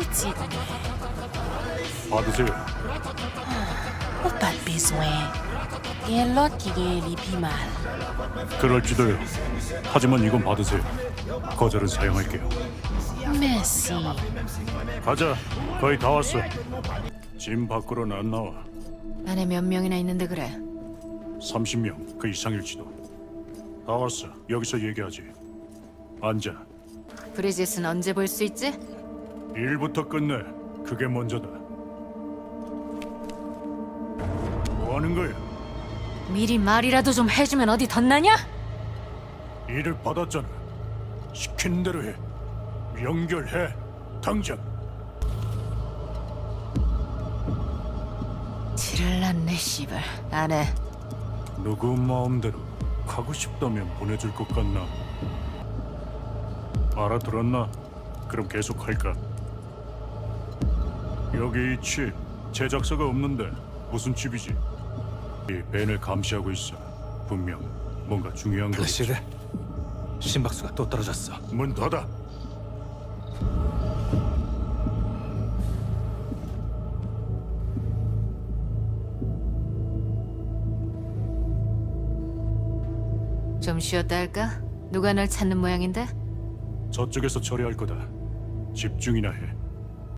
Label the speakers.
Speaker 1: petit.
Speaker 2: 받으세요.
Speaker 1: Pas de besoin. Et l'autre qui est les plus mal.
Speaker 2: 그럴지도요. 하지만 이건 받으세요. 거절은 사용할게요.
Speaker 1: Merci.
Speaker 2: 가자. 거의 다 왔어. 짐 밖으로는 안 나와.
Speaker 1: 안에 몇 명이나 있는데 그래?
Speaker 2: 30명, 그 이상일지도. 다 왔어. 여기서 얘기하지. 앉아.
Speaker 1: 브리짓은 언제 볼 수 있지?
Speaker 2: 일부터 끝내. 그게 먼저다. 뭐 하는 거야?
Speaker 1: 미리 말이라도 좀 해주면 어디 덧나냐?
Speaker 2: 일을 받았잖아. 시킨 대로 해. 연결해. 당장.
Speaker 1: 지를 났네 씨발. 안 해.
Speaker 2: 누구 마음대로 가고 싶다면 보내줄 것 같나? 알아들었나? 그럼 계속 할까? 여기 이 칩 제작사가 없는데 무슨 칩이지? 이 벤을 감시하고 있어. 분명 뭔가 중요한 거.
Speaker 3: 플래시드 심박수가 또 떨어졌어.
Speaker 2: 문 닫아.
Speaker 1: 좀 쉬었다 할까? 누가 널 찾는 모양인데?
Speaker 2: 저쪽에서 처리할 거다. 집중이나 해.